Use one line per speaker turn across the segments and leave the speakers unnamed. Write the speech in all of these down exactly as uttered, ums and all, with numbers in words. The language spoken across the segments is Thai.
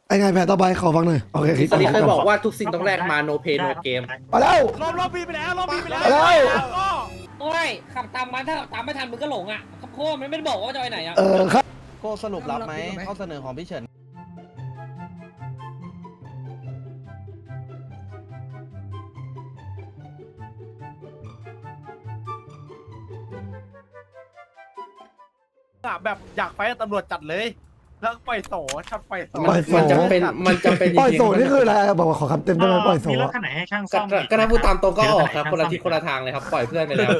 ไอ้ไงแผนต่อไปขอฟังหน่อยโอเคคิด
ตอนนี้เคย
ก่
บอกว่าทุกสิ่งต้องแลกมา no pay no game
มาแล้ว
รอบรอบปีไปแล้วรอบปีไปแล้ว
มาแล้ว
โอ้ยขับตามมันถ้าขับตามไม่ทันมึงก็หลงอ่ะขับโค้มันไม่ได้บอกว่าจะไปไหนอ่ะ
เออครับ
โก้สรุปรับไหมข้อเสนอของพี่เฉิน
แบบอยากไปตำรวจจัดเลยแล้วปล่อยโสชัดปล่อยโส
ปล่อยโส
มันจะเป็นมันจะเป็น
ปล่อยโสดนี่คืออะไรบอกว่าขอคำเต็มได้ไหมปล่อยโส
มีรถ
อะ
คันไหนให้ช่าง
ก็
ซ่อม
ก็ถ้าพูดตามตรงก็ออกครับคนละทิศคนละทางเลยครับปล่อยเพื่อนไปแล้ว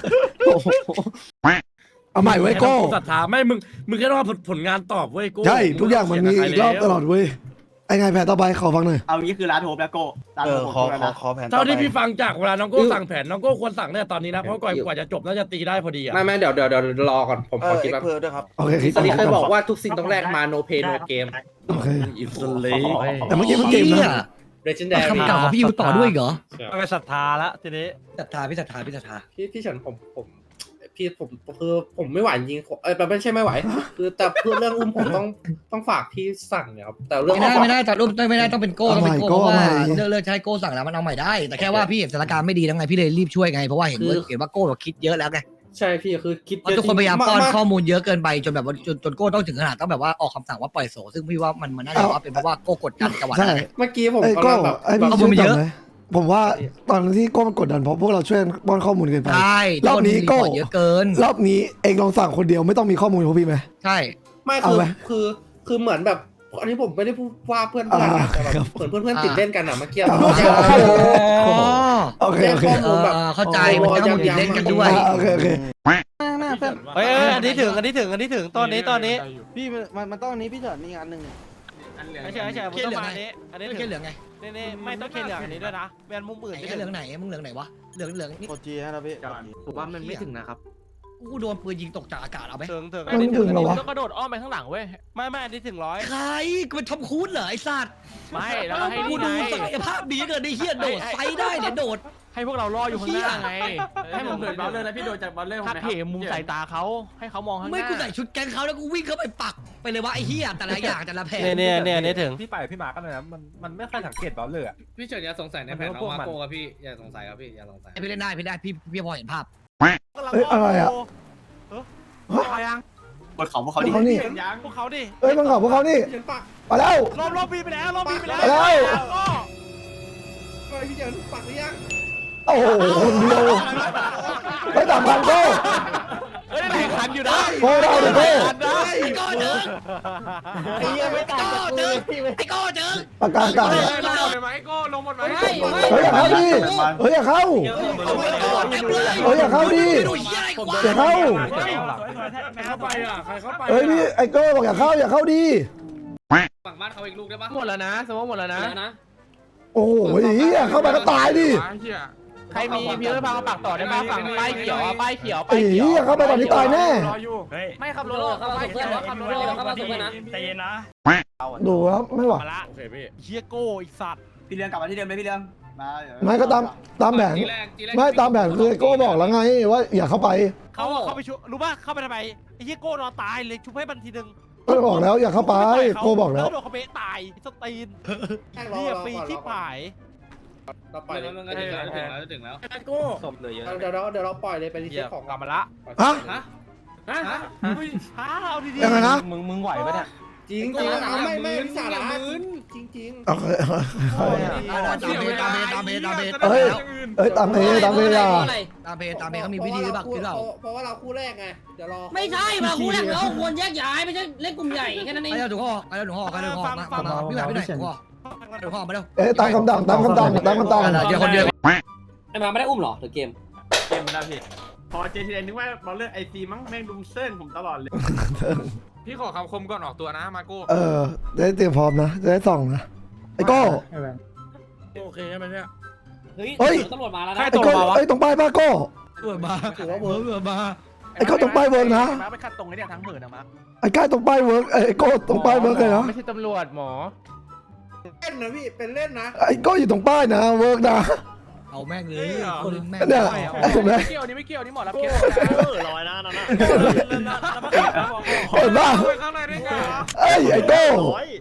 เอาใหม่ไว้โก้
ศรัทธาไม่มึงมึงแค่ต้องเอาผลงานตอบเว้ยโก้
ใช่ทุกอย่างมันมีอีกรอบตลอดเว้ยไอ้ไงแผนต่อไปขอฟังหน่อย
เอางี้คือร้านโฮปแล้วโก้ร้าน
เอ
โฮ
อ
ป
ขอ
แล้ว
ขอ
นะ
ขอแผนต่อ
เท่า
ไป
ที่พี่ฟังจากเวลาน้องโก้สั่งแผนน้องโก้ควรสั่งเนี่ยตอนนี้นะเพราะกว่ากว่าจะจบน่าจะตีได้พอดีอ่ะ
ไม่ไม่เดี๋ยวเดี๋ยวเดี๋ยวรอก่อนผม
เอ
ขอ
อ
คิด
เอ็ก
ว่า
เพอร์ด้วยครับ
โอเคคิด
ตอนนี้เคยบอก
ก่
ว่าทุกสิ่งต้องแลกมา no pay no game
โอเค
อิสเล
แต่เมื่อกี้มันเกมนะ
legendary
คำเก่าของพี่อยู่ต่อด้วยเหรอ
ไปศรัทธาละทีนี้
ศรัทธาพี่ศรัทธาพี่ศรัทธา
พี่พี่เฉินผมผมพี่ผมคือผมไม่ไหวจริงๆเออไม่ใช่ไม่ไหว คือแต่เพื่อเรื่องอุ้มผมต้องต้องฝากพี่สั่งเนี่ยครับแต่เรื่อง
ไม่ได้ไม่ได้ตัดรูปไม่ได้ต้องเป็นโก้ต้องเป็นโก้เพ
เอา
ราะ
ใหม่
ว่า
โก้
เลิกเลิกใช้โก้สั่งแล้วมันเอาใหม่ได้ แต่แค่ว่าพี่เห็นสถานการณ์ไม่ดีแล้วไงพี่เลยรีบช่วยไงเพราะว่าเห็นว่าเห็นว่าโก้เราคิดเยอะแล้วไง
ใช่พี่คือคิด
เพราะทุกคนพยายามป้อนข้อมูลเยอะเกินไปจนแบบว่าจนจนโก้ต้องถึงขนาดต้องแบบว่าออกคำสั่งว่าปล่อยโสซึ่งพี่ว่ามันมันน่าจะว่าเป็นเพราะว่าโก้กดดันจังหวะ
ใช่
นั้น
เมื่อกี้ผม
ไอ้
กำ
โก้
ลังแบบ
ไอ้พี่
เอา
ช่วย
มือเย
จำ
อะ
ไหมผมว่าตอนที่โก้มันกดดันเพราะพวกเราช่วยป้อนข้อมูลเกินไป
ใช่
รอบนี้โก้
ทุครีพร์ตเยอะเกิน
รอบนี้เองลองสั่งคนเดียวไม่ต้องมีข้อมูลของพี่ไหม
ใช่
ไม่
เอา
คือ
ไหม
คือคือเหมือนแบบอันนี้ผมไม่ได้พูดว่าเพื่อนเพื่อน
อ่า
นะแต่แบบ
ครับ
เหมือนเพื่อนเพื่อนติดเล่นกันอ่ะเมื่อกี้
อ๋อ
อ๋อ
โอเคโอเค
เออเออเข้าใจมันต้องมีเล่นกันด้วย
อ่าโอเคโอเค
เฮ้ยอันนี้ถึงอันนี้ถึงอันนี้ถึงตอนนี้ตอนนี้
พี่มันมันต้องอันนี้พี่เฉินมีงานหนึ่ง
ไม่ใช่ไม่ใช่ผมต้องมาอันนี้อันนี้
ไม่
ถึ
ใช่
ง
เหลืองไง
นี่นี่ไม่ต้องเคเหลืองอันนี้ด้วยนะแวนมุมอื่น
ไหน
ไม่
เห
ถึ
ลือง งไหนมึงเหลืองไหนวะเหลืองเหลืองนี่
กดจีนะพี่
ผมว่ามันไม่ถึงนะครับ
กูโดนปืนยิงตกจากอากาศเอาไหม
ถึงถึง
มันไม่ถึงเหรอวะ
ต้องกระโดดอ้อมไปข้างหลังเว้ยไม่ไม่อันนี้ถึงร้อย
ใครกูเป็นทอมครูซเหรอไอ้สัตว์
ไม่แล้วให้
กู
นี่
ดู
ไง
ศักยภาพดีเกินไอ้เฮียโดดไฟได้เนี่ยโดด
ให้พวกเรารออยู่ข้างหน้าไง
ให้ผมเดินบอลเลยนะพี่โดนจากบอลเลย
ถ้าเพมุมสายตาเขาให้เขามองข้างหน้า
ไม่กูใส่ชุดแก๊งเขาแล้วกูวิ่งเข้าไปปักไปเลยว่าไอ้เฮียแต่ละอย่างแต่ละแผน
เนี่ยเนี่ยเนี่ยถึง
พี่ไปพี่มาก็เลยนะมันมันไม่ค่อยสังเกตบอลเลยอะ
พี่เฉินอย่าสงสัยในแผนน้องมาโก้ครับพี่อย่าสงสัยครับพี่อย่าสงสัย
พี่เล่นได้พี่ได้พี่พี่พอเห็นภาพ
เอ้ยอะไรอะ
อะไรยัง
บนเขาพวกเขาดิ
พวกเขานี่
ยังพวกเขาดิ
เอ้ยมันขอพวกเขานี่
เฉินปัก
มาแล้ว
รอบรอบปีไปแล้วรอบปีไปแล้ว
ไปแล้ว
เฮ้ยพี่เฉินปักหรือยัง
โอ้โหคนเดียวไม่ต่ำกันโก้
เฮ้ยได้คันอยู่นะ
โก้ได้ดิโก้
ได้
ไอ้ก้อเจอ
ไอ้เหี้ยไม่ต่างจาก
เจ
กู
อไอ้ก้อเจอ
ปากกาเก่า
ลงหมดไหมก็ลงหมดไหม
ไม่ไม่
เฮ้ยอย่าเข้าดิเฮ้ยอย่าเข้า
เต็มเลย
เฮ้ยอย่าเข้าดิ
ไม่ดูเฮียอะไรกว่า
อย่าเข้า
ใครเข้าไปอ่ะใครเข้าไป
เฮ้ยพี่ไอ้โก้บอกอย่าเข้าอย่าเข้าดิ
ฝั่งบ้านเขาอีกลูกได้ปะ
หมดแล้วนะสมมติหมดแล้วนะ
แล้วนะ
โอ้โหเฮียเข้าไปก็ตายดิ
ใครมีพี่เอ้ยพามาปักต่อได้ป่ะฝั่งป้ายเขียวอ่ะป้ายเขียว
ไอ้เฮียเข้าไปตอนนี้ตายแน่
ไม่ขับรถ
เข้ามาส่งเพื่อนวะขับรถเลยเข้ามาส่งเพื่อนนะ
ใจเย็นนะ
ดูครับไม่ไหว
มาละ
โอเคพี่
เฮียโก้อีกสัตว์
พี่เลี้ยงกลับมาที่เดิมเลยพี่เลี้ยงมาเดี๋ยว
ไม่ก็ตามตามแผน
ทีแรกทีแรก
ไม่ตามแผนคือไอ้โก้บอกแล้วไงว่าอย่าเข้าไป
เขาเข้าไปชุบรู้ป่ะเข้าไปทำไมไอ้เฮียโก้นอนตายเลยชุบให้มันทีนึง
ก็บอกแล้วอย่าเข้าไปโก้บอกแล้ว
โดนเขาเบะตายสตีน
แม่งรอ
เฮีย
รอ
ฟรี
ก่อน
ที่ผาย
เราปล่อยเลย
มันก็ถึงแล้วถึงแล้วถึงแล้ว
โก้
ศพเลยเยอะ
เดี๋ยวเราเดี๋ยวเราปล่อยเลยไปรี
เฮี
เซ็
ย
ตของ
กลับมาละ
ฮะ
ฮะฮะฮะ
ฮะเอาดี
ยังไงนะ
มึงมึงไหวปะเนี่ย
จริงจริงเอาไม่ไม่สาระจริงจริง
โอเค
ตามเพตามเพตามเพตามเพ
เฮ้ยเอ้ยตามเพตามเพอย่า
ตามเพตามเพเขามีวิธีหรือเปล่าคือเรา
เพราะว่าเราคู่แรกไงเดี๋ยวรอ
ไม่ใช่มาคู่แรกเราควรแยกย้ายไม่ใช่เล่นกลุ่มใหญ่แค่นั้นเอง
ไปเอาถุงห่อไปเอาถุงห่อไปเอาถุงห่อมามามาพี่หมายพี่หน่อยถุงห่อถุงห่อมาเร็ว
เอ้ยตามคำดังตามคำดังตามคำดัง
เดี๋ยวคนเดียว
ไอ้มาไม่ได้อุ้มหรอหรือเกม
เกมมันได้พี่พอเจทีเอ็นนึกว่าบอลเลือกไอซีมั้งแม่งดุมเส้นผมตลอดเลย
พี่ขอคำคมก่อนออกตัวนะมาโก้
เออจะได้เตรียมพร้อมนะจะได้ส่องนะไอ้โก้
โอเคใช่ไหมเนี่ย
เฮ้ยตำรวจมาแล้วนะ
ไอ้โก้ไอ้ตรงป้ายป้าโก้
เบื่อมาเบื่อมา
ไอ้โก้ตรงป้ายเวิร์กนะ
มาไปคัดตรงนี้เนี่ยทั้งหมื่นนะมา
ไอ้ก้าตรงป้ายเวิร์กไอ้โก้ตรงป้ายเวิร์กเลยนะ
ไม่ใช่ตำรวจหมอ
เล่นนะพี่เป็นเล่นนะ
ไอ้โก้อยู่ตรงป้ายนะเวิร์กนะ
เอาแม่งเลยคนแม่ง
เนี่ยเห็นไหม
ไม่เกี่ยวนี่ไม่เกี่ยวนี่หมอรับเคส
ลอยนะนั่นน่ะ
เห็นป่ะ
ไปข้างในได้ไงวะ
เอ้ยไอ้โก้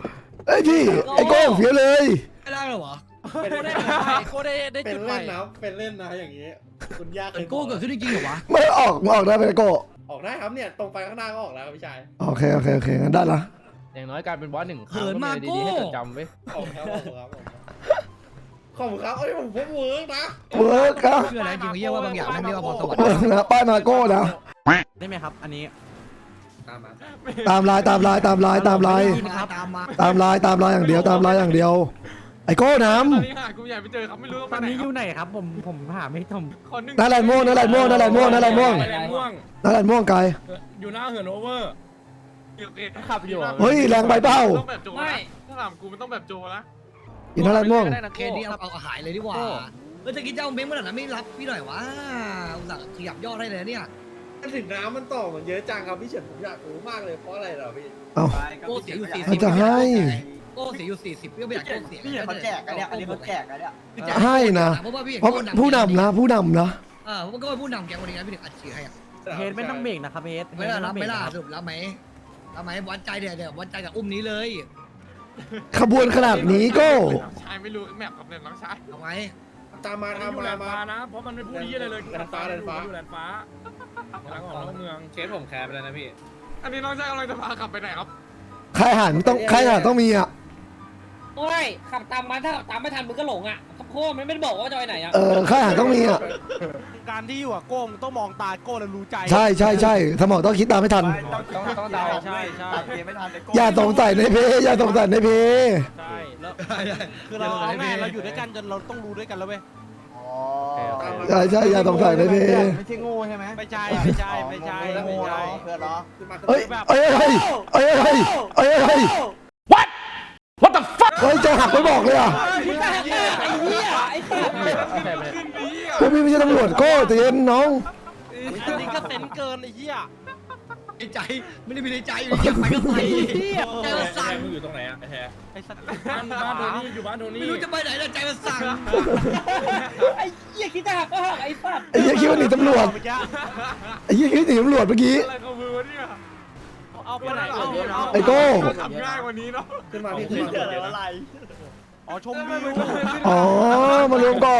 เอ้ยพี่ไอ้โก้เฟี้ยวเลย
ไม่ได้หรอวะ
เป็น
โก้
เล่
ได้
น
จุดใหม่โก้ได้ได้
เป็น
จุดใหม่
เล่นนะเป็นเล่นนะอย่างนี้ คุณยาก
เกิดโก้เกิดขึ้นจริงๆเหรอวะ
ไม่ออกมาออกได้ไหมโก้
ออกได้ครับเนี่ยตรงไปข้างหน้าก็ออกแล้วครับพี่ชาย
โอเคโอเคโอเคงั้นได้ละ
อย่างน้อยการเป็นบอสหนึ่ง
เหินมาโก้
จำไว้
ขอบคุณครับขอบคุณครับขอบคุณครับเอ้ยผมผมเวิร์กนะ
เวิร์กครับ
เชื่ออะไรจริงๆเฮียว่าบางอย่างมันเรียกว่าพรสวรรค์
เวิร์กนะป้ายมาโก้นะ
ได้ไหมครับ อันนี้
ตามมา
ตามลายตามลายตามลายตามลาย
ตามมา
ตามลายตามลายอย่างเดียวตามลายอย่างเดียว ไอ้โก้น้
ตอนนี้หากูใหญ่ไปเจอครับไม่รู้
ตอนนี้อยู่ไหนครับ ผมผมหาไม่ทม
คนหนึ่ง
ำนั่นแหละม่วงนั่นแหละม่วงนั่นแหละม่วงนั่นแหละม่วง
แลนม่วง
นั่นแหละม่วงไกล
อยู่หน้าเหินโอเวอร์
ขับอยู่
เฮ้ยแรงไปเปล่า
ต้องแบบโจนะถ้าถามกูมันต้องแบบโจนะ
อีนั่นแหละม่วง
เคสนี้เอาเอาหายเลยดีกว่าเออจะกินเจ้าเม้งเมื่อไหร่นะไม่รับพี่หน่อยวะอุตส่าห์ขยับยอดให้เลยเนี่ย
ถึงน้ำมันต่อมันเยอะจังครับพี่เฉินผมอยากรู้มากเลยเพราะอะไรเหรอพี่
เอ้า
โก้เสียอยู่สี่
มั
สิ
น
บ
จะให้
โก้เสียอยู่สี่สิบพี่ไม่อยากโก้เสีย
พี่เฉินเขาแจกกันเนี่ยอันนี้เขาแจกกันเนี่ย
ให้นะ
เพราะว่าพี่
เพราะผู้นำนะผู้นำนะ
เออเพราะก็เป็นผู้นำแกคนนี้นะพี่ถึงอัดฉีดให้อ่ะ
เฮดไม่ต้องเบรกนะครับเฮด
ไม่ได้รับไม่ล่ะสรุปรับไหมรับไหมวัดใจเดี๋ยวเดี๋ยววัดใจกับอุ้มนี้เลย
ขบวนขนาดนี้โก้
น้องชายไม่รู้แมปกับเนี่ยน้องชาย
เอาไหม
ตามมา
มัน
ตาม
อยู่แล
มาน
ฟ้า
มา
นะ เพราะมันไม่พูดยี่อะไรเลย
แลนฟ้าแลนฟ้า
อยู่แลนฟ้าหลังของนอกเมือง
เคสผมแคร์ไปแล้วนะพี่อันนี้น้องชายกำลังจะพาขับไปไหนครับ
ใครอาหารต้องใครอาหารต้องมีอ่ะ
โอ้ยขับตามมาถ้าขับตามไม่ทันมึงก็หลงอ่ะครับโค้มันไม่ได้บอกว่าจะไปไหนอ่ะ
เออใครอาหารต้องมีอ่ะ
การที่อยู่กับโก้มึงต้องมองตาโก้แล้วรู้ใจ
ใช่ใช่ใช่สมองต้องคิดตามไม่ทัน
ต้องต้องเดา
ใช่ใช่
ตัดเกมไม่ทันเลย
อย่าสงสัยในเพอย่าสงสัยในเพ
ใช่แล้วคือเราเอาง่ายเราอยู่ด้วยกันจนเราต้องรู้ด้วยกันแล้วเว้ย
ใช่ใช่อย่าสงสัยในเพ
ไม่ใช่โง่ใช่ไหม
ไม่ใช่ไม่ใช่ไม่ใช่
โง่
ไม่ใช่
เนาะเพื่อนเนาะ
ขึ้นมา
เอ้ยเอ้ยเอ้ยเอ้ยเอ้ยเอ้ยเอ้ย what what the fuck เฮ้ยจะหักไม่บอกเลยอ่ะ
พี่ก็หักหน้าไอ้เหี้ยไอ้สัตว์
พวกพี่ไม่ใช่ตำรวจโก้ใจเย็นน้อง
อันนี้ก็เซนเกินไอ้เหี้ย
ในใจไม่ได้มีในใจอยู่อยากไปก็ไปใจมันสั่น
มึงอยู่ตรงไหนอะไอ้แท้
ไอ้สัตว์
บ้านบ้านโทนี่อยู่บ้านโทนี่
ไม่รู้จะไปไหนแต่ใจมันสั่น
ไอ้เหี้ยคิดจะหักก็หักไอ้สัตว์
ไอ้เหี้ยคิดว่าหนีตำรวจ
เมื่อกี้
ไอ้เหี้ยคิดว่าหนีตำรวจเมื่อกี้
อะไรของมือวะเนี่ย
เอาไปไหนเอาเอา
ไอ้โก้
ขับง่ายกว่านี้เนาะ
ขึ้นมาพี่ขึ้นมา
อ๋อชมวิว
อ๋อมารวมก่อน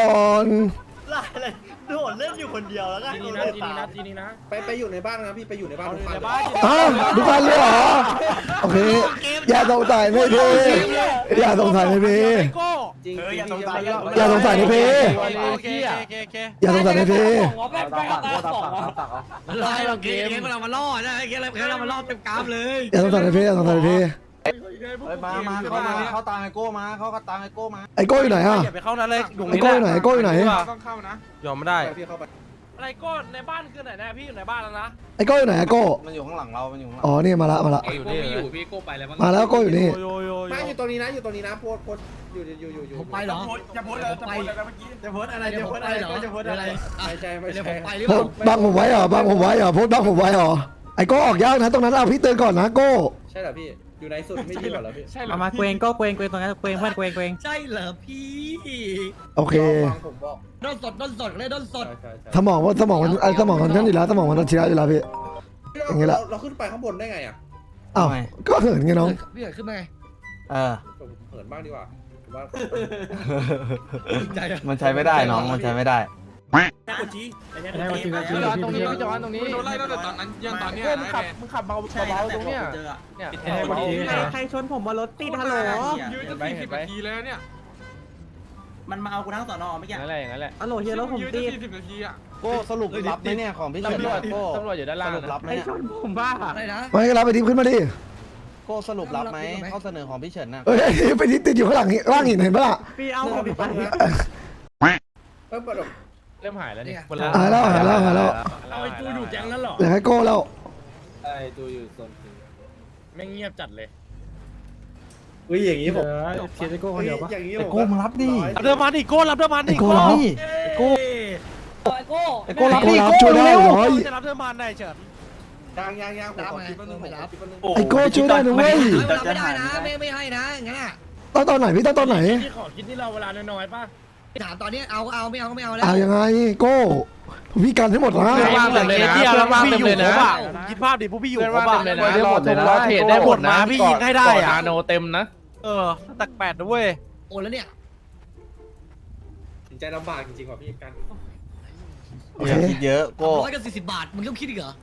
โดดเล่นอยู่คนเดียวแล้วก็
ทีนี้นะทีนี้นะทีนี้นะ
ไปไปอยู่ในบ้านนะพี่ไปอยู่ในบ้าน
เอา
ทุก
ใน
บ้าน
บ้าน
อ้าวทุกคันเลยเหรอโอเคอย่าสงสัยในเพอย่าสงสัยในเพ
โก้
จริง
อย่าสงสัย
อย่าสงสัยในเพ
โอเคโอเคโอเค
อย่าสงสัยในเพ
หมอแม่งไปกับตาสองเหรอ
มันล่อให้เราเกมเรามาล่อนะเกมเรามาล่อเต็มกราฟเลย
อย่าสงสัยในเพอย่าสงสัยในเพ
เฮ้ยมามาเข้ามาเข้าตามไอโก้มาเข้าตามไอโก้มา
ไอ้โก้อยู่ไหนอ่ะ
อย่าไปเข้านั้นเลยอยู่
ไอ้โก้อยู่ไหนไอ้โก้อยู่ไหน
ต้องเข้านะ
ยอมไม่ได้
ไปพี่เข้าไป
อะไรโก้ในบ้านคือไหนนะพี่อยู่ในบ้านแล้วนะ
ไอ้โก้อยู่ไหนไอ้โก้
มันอยู่ข้างหลังเรา มันอยู่ข้างหลัง
อ๋อนี่มาละมาละ
อยู่นี่อยู่พี่โก้ไปแล้วมั้ง
มาแล้วโก้อยู่นี่
โยโย
ไม่อยู่ตรงนี้นะอยู่ตรงนี้นะโพสโพสอยู่อยู่อยู่อยู่
ผมไปเหรอ
จะโพสอะไรจะโพสอะไรเมื่อกี้จะโพสอะไร
เดี๋ยว
จะ
ผ
โพ
ม
ส
ไป
อะไร
เหรอ
จะโพส
เดี๋ยว
อะ
อะไร ไร
ไม่ใช่ไม่
เดี๋ยว
ใช่
ผมไปหรือ
โพ
เปล่า
สต์บังผมไว้เหรอบังผมไว้เหรอโพสต์บังผมไว้เหรอไอ้โก้ออกยากนะตรงนั้นเอาพี่เตือนก่อนนะโก้
ใช่เหรอพี่อยู่ในสุดไม่ดีกว่าเหรอพี่
ใช่เหรอ
มามาเกวงก็เกวงเกวงตรงนั้นเกวงเพื่อนเกวงเกวง
ใช่เหรอพี่
โอเค
ฟังผมบอก
ด้นสดด้นสดเลยด้นสด
ใช่ใช่ใช่
สมองว่าสมองมันไอ้สมองมันนั่นอยู่แล้วสมองมันชิระอยู่แล้วพี่ อย่างงี้แหละ
เราขึ้นไปข้างบนได้ไงอ่ะ
อ้าวก็เหินไงน้อง
พี่เกิดขึ้นมาไง
เออ
ผมเหินบ้างดีกว่าผมว่า
ใจ
มันใช้ไม่ได้น้อง มันใช้ไม่ได้
พี่จอนตรงนี้พี่จอนตรงนี้โดนไล่ตั้งแต่ตอนนั้นยังตอนเนี้ยนะ
มึงขับเบาเบาตรงเนี้ย
เนี่ย
ใครชนผมมารถติดฮัลโหล
ยืนจะสี่สิบนาทีแล้วเนี่ย
มันมาเอากูทั้งสอนอไม่แก่
นั่นแหละอย่างนั้นแหละ
ฮัลโหลเฮียรถผม
ยืน
ติ
จะ
ด
สี่สิบนาทีอ่ะ
โก้สรุปรับไหมเนี่ยของพี่เฉิน
ตำรวจ
โก้
ตำรวจอยู่ด้านล่าง
สรุปรับไหม
ใคร
เนี่ย
ชนผมบ้า
อะไรนะ
ไม่ก็รับไปดิขึ้นมาดิ
โก้สรุปรับไหมข้อเสนอของพี่เฉินน่ะ
เอ้ยไปดิติดอยู่ข้างหลังล่างหินเห็นปะล่ะ
พี่เอาผมไป
เพิ่มประดก
เริ่มหายแล้วนี่
หายแล้วหายแล้วหายแล้ว
เอาไอ้จูอยู่แก๊งนั้นเหรอ
เหลือให้โก้แล้ว
ไอ้ดูอยู่โซน
แม่งเงียบจัดเลย
อุ้ยอย่างนี้ผม
เชียร์โก้คนเดียวปะ
อย่างนี้
ไอโก้มึงรับดิ
รับเดิมมันอีกโก้รับเดิมมัน
ไอ้
อีก
โก้
โก้
รับ
ไอ้โก้
ไอโก้รับ
ไอ้
ดิ
โก้รับช่วยได้เหรอ
จะรับเดิมมันได้เฉิน
ยางยางยางผมขอคิดว่าหนึ่งผมขอคิดว่าหนึ่ง
ไอ้โก้ช่วยได้นะเว้ย
เราไม่ได้นะไม่ไม่ให้นะอย่างนั้นอ่ะ
ต้องตอนไหนพี่ต้องตอนไหน
ที่ขอคิดที่เราเวลาน้อยๆป่ะ
ถามตอนนี้เอาเอาไม่เอาก็ไม่เอาแล้ว
เอายังไงโก้พี่กันให้หมดนะ
ว่างเลยนะเดียวแล้วพี่อยู่ครบอ่ะคิดภาพดิพวกพี่อยู่ครบอ่ะ
หมดเลยนะรอเทรดได้หมดนะ
พี่ยิงให้ได้อ่ะ
นาโนเต็มนะ
เออตักแปดนะเว้ย
โอนแล้วเนี่ย
สินใจลำบากจริงๆว่ะพี่กัน
โอเค
คิดเยอะโก้
ร้อยกับสี่สิบบาทมึงต้องคิดอีกเหรอ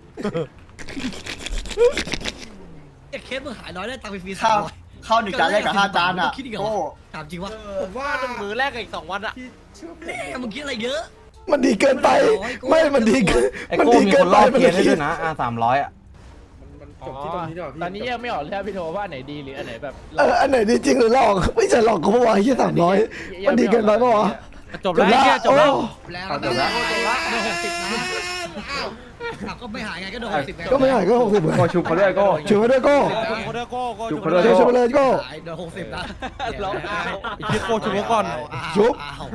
ไอ้เคสมึงหายร้อยได้ตังค์ไปฟรีสามร้อย
ข้าวหนึ่งจานแรกกับห้าจานอ่ะ
คิดอีกเหรอ
โก้
ถามจริงวะ
ผมว่าหนึ่งมือแรกกับอีกสองวันอะ
แม่มึงคิดอะไรเยอะ
มันดีเกินไป ไม่มันดีเกิน
ไอ้
มัน
โก้
ดี
มี
เกิ
คน น
ไป
รอบ
มัน
เทียนให้
คิ
ด้
ด
วยนะอ่ะสามร้อยอ่ะ
มันจบที่ตรงนี้ดีกว่าพี่
ตอนนี้ยังไม่ออกเลยพี่โทว่าไหนดีหรืออันไหนแบบ
เอออันไหนดีจริงหรือหลอกไม่ใช่หลอกกูเมื่อวานที่สามร้อยมันดีเกินไปปะวะ
จบแล้วไอ้เหี้ยจบแล้ว
โอ้
แล้ว
เอาจบแล้ว
โดนหกสิบนะอ้าวอ้าวก็ไม่หายไงก็โดนหกสิบไง
ก็ไม่หายก็หกสิบเหมือน
โก้ชุบเขาด้วยโก้
ช่วยมาด้วยโก้
จุกโคเดอร์โก้โก้
จุ
จุ
ก
ก
โค
โค
เด
เด
อ
อ
ร์
ช่วย
ร์
ช่วยมาเลยโก้
หายโดนหกสิบนะ
ร้องอ้าวไอ้เหี้ยโก้จุกไว้ก่อน
ชุบ
อ้าว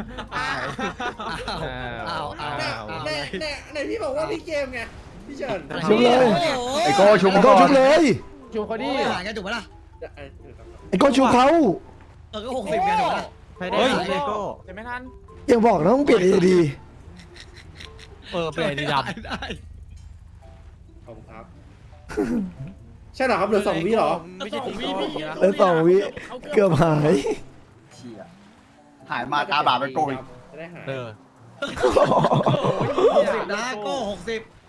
อ้าวอ้าวอ้าว
แน่
อ้าว
แน่แน่ไหนพี่บอกว่าพี่เกมไงพี่เฉิน
ชุบเลย
ไอ้โก้ชุบ
ไอ้
ก่
โก้
อน
ชุบเลย
ชูเขาดิ
ไม่หายไงถูกปะล่ะ
ไอ้โก้ชุบเขา
เออก็หกสิบไงถูกปะล่ะ
เฮ้ย
โก้จะไม่ทัน
ยังบอกนะมึงเปลี่ยนเอดี
เออเป็นไอ้ดีด
ได้
ขอบคุณครับ ใช่เหรอครับเหลือสองวิเหรอ
ไม่ใช่ของวีพี่นะ
แล้วสองวิเกือบหาย
หายมาตาบาปไปโก้อีก
จะได้หาย
เออ
หกสิบนะโก้หกสิบ